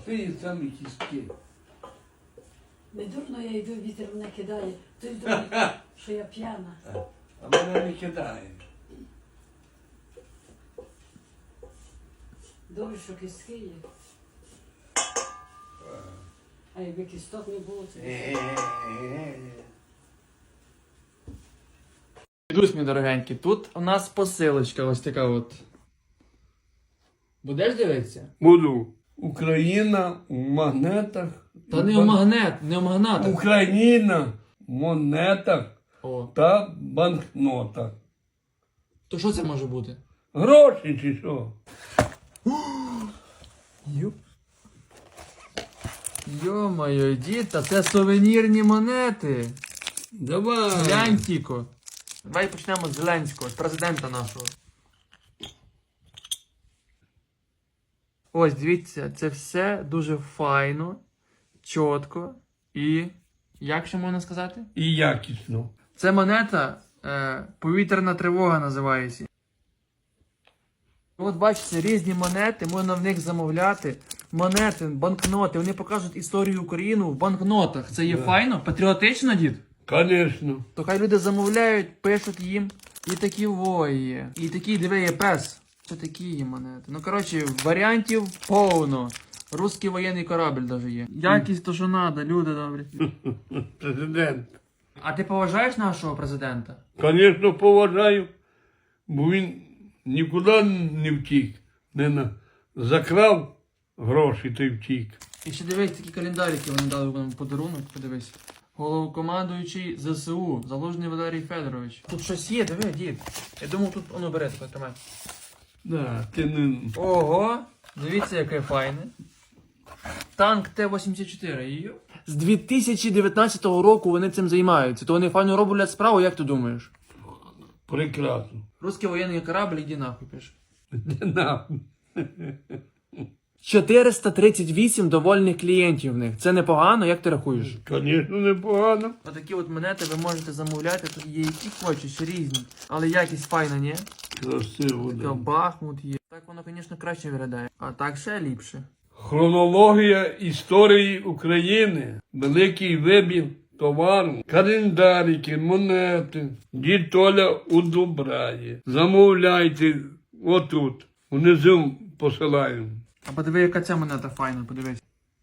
прості самі кістки. Не дурно я йду, вітер мене кидає. Ти ж думаєш, що я п'яна. А мене не кидає. Добре, що кістки є. А якби кісток не було, це... Дідусь, мій дорогенький, тут у нас посилочка ось така от. Будеш дивитися? Буду. Україна в магнетах. Та не в магнет, не в магнатах. Україна в монетах О, та банкнотах. то що це може бути? Гроші чи що? Йо-моє, дід, та це сувенірні монети. Давай. Глянь, Тіко. Давай почнемо з Зеленського, з президента нашого. Ось, дивіться, це все дуже файно, чітко і, як ще можна сказати? І якісно. Це монета, повітряна тривога називається. От бачите, різні монети, можна в них замовляти. Монети, банкноти, вони покажуть історію України в банкнотах. Це є файно, патріотично, дід? Звісно. То хай люди замовляють, пишуть їм. І такі є. І такі, диви, є пес. Це такі є монети. Ну, коротше, варіантів повно. Русський воєнний корабль навіть є. Якість то, що треба, люди добрі. Президент. А ти поважаєш нашого президента? Звісно, поважаю, бо він нікуди не втік. Закрав гроші, та й втік. І ще дивись, такі календарики вони дали нам подарунок, подивись. Головкомандуючий ЗСУ, Залужний Валерій Федорович. Тут щось є, диви, дід. Я думав, тут воно бере, таке тримай. Да, ти не... Ого, дивіться, яке файне. Танк Т-84. Йо. З 2019 року вони цим займаються. То вони файно роблять справу, як ти думаєш? Прекрасно. Русський воєнний корабль, іди нахуй, пише. Де нахуй? 438 довольних клієнтів в них. Це непогано, як ти рахуєш? Звісно, непогано. Отакі от монети ви можете замовляти, тут є які хочеш, різні. Але якість файна, ні? Красиво, Така да. Бахмут є. Так воно, звісно, краще виглядає. А так ще ліпше. Хронологія історії України. Великий вибір товару. Календарики, монети. Дід Толя удобряє. Замовляйте отут. Внизу посилаємо. А подиви, яка ця монета файна, подивись.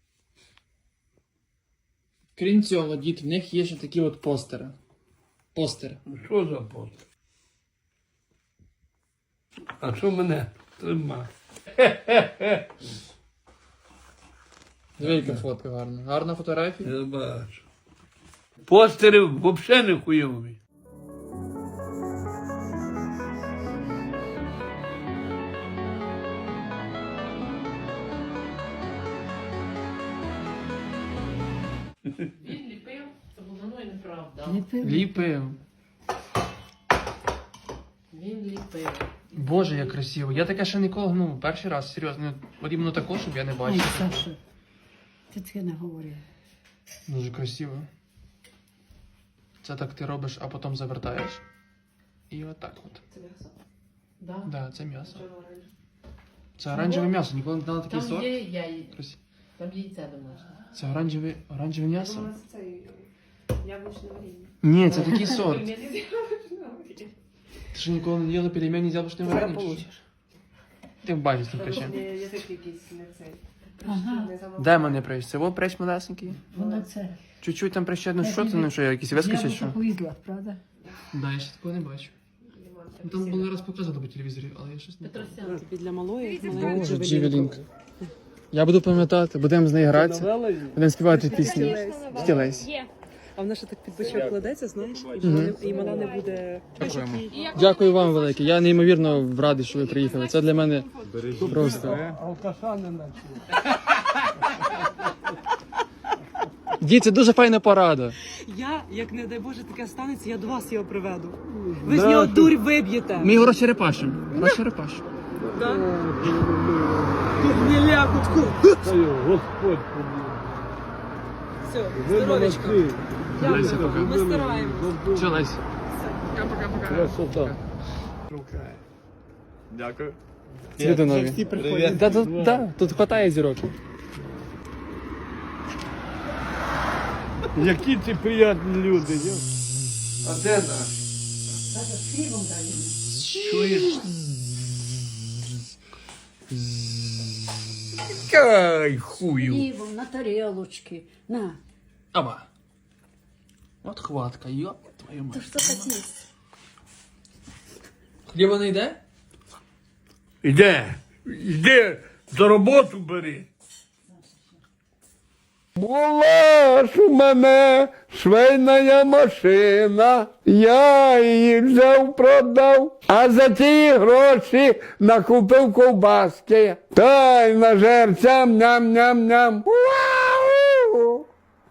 Крім цього, дід, в них є ще такі от постери. Постери. Що за пост? А що мене тримає? Диви, яка фотка гарна. Гарна фотографія? Я бачу. Постери взагалі не хуйові. Він ліпив, це було ну і неправда. Ліпив. Він ліпив. Боже, як красиво. Я таке ще ніколи, ну, перший раз, серйозно. От іменно такого, щоб я не Ой, бачив. Саша, ти таке не говорив. Дуже красиво. Це так ти робиш, а потім завертаєш. І отак от. Це м'ясо? Да. Да, це м'ясо. Чого оранжеве? Це оранжеве м'ясо, ніколи не дала такий Там сорт. є яй... Красиво. Там яйце домашнє. Це оранжеве м'ясо? Думала, це яблучне варіння. Ні, це такий сорт. Пельмені з яблучного варіння. Ти що ніколи не їла пельмені з яблучним варенням? чи що? Ти бачиш там причем. Язик якийсь не цей. Ага. Не замовляє. Де мене прищ? Це во прищ малесенький? Воно це. Чуть-чуть там прищедно, що це, ну що, якісь виски чи що? Повізла, правда? Да, я ще такого не бачу. Ну, там було раз показано по телевізорі, але я щось не пам'ятаю. Петросян. Тобі для малої, Боже, Джевелінка. Я буду пам'ятати, будемо з нею гратися, будемо співати пісні. Стілець. А вона ще так під бочок кладеться, знаєш, і мала не буде... Дякуємо. Дякую вам велике. Я неймовірно радий, що ви приїхали. Це для мене просто. Алкаша не наче. Дід, це дуже файна порада. Я, як не дай Боже, таке станеться, я до вас його приведу. Ви з нього дурь виб'єте. Ми його розчерепашимо. Розчерепашимо. Тут не лякутку. Господь побіг. Все, Ви здоровечко. молодці. Леся, пока. Ми стараємось. Все, Лесь. Пока-пока. Красота. Дякую. Люди нові. Да, тут хватає зірок. Які ці приємні люди. А де наш? Даже з хлібом далі. Чуєш? Кай, хую. Хлібом на тарілочки. На. Аба. От хватка, йоп твою То мать. що таке? Хліба не йде? Іди, за роботу бери. Була ж у мене швейна машина, я її взяв, продав, а за ті гроші накупив ковбаски. Та й на жерцям ням-ням-ням. Вау!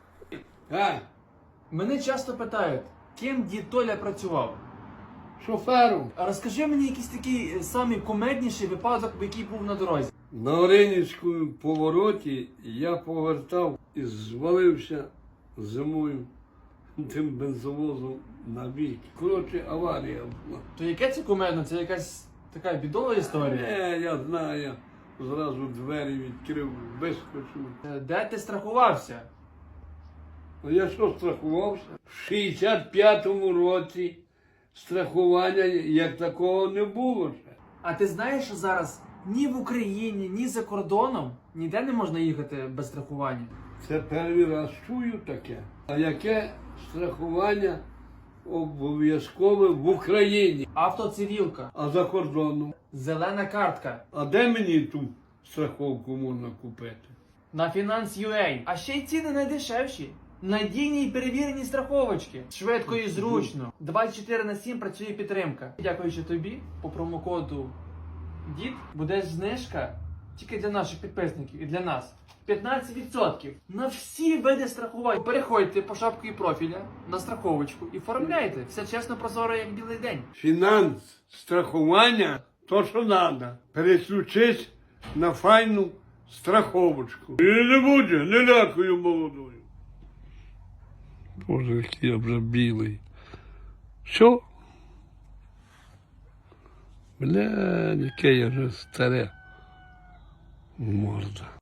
Мене часто питають, ким дід Толя працював. Шофером. А розкажи мені якийсь такий самий кумедніший випадок, який був на дорозі. На Оринівському повороті я повертав і звалився зимою тим бензовозом на бік. Коротше, аварія була. То яке це кумедно? Це якась така бідова історія? Я знаю, я зразу двері відкрив, вискочив. Де ти страхувався? А я що страхувався? В 65-му році страхування як такого не було ще. А ти знаєш, що зараз ні в Україні, ні за кордоном ніде не можна їхати без страхування? Це перший раз чую таке. А яке страхування обов'язкове в Україні? Автоцивілка, А за кордоном? зелена картка, А де мені ту страховку можна купити? на Finance.ua. А ще й ціни найдешевші. Надійні і перевірені страховочки. Швидко і зручно. 24/7 працює підтримка. Дякуючи тобі, по промокоду ДІД буде знижка тільки для наших підписників і для нас. 15% на всі види страхувань. Переходьте по шапці профіля на страховочку і оформляйте. Все чесно, прозоро, як білий день. Фінанс, страхування, то що треба. Переключись на файну страховочку. І не буде, не лякую молодою. Боже, який я вже білий. Що? Бля, яке я вже старе. Морда.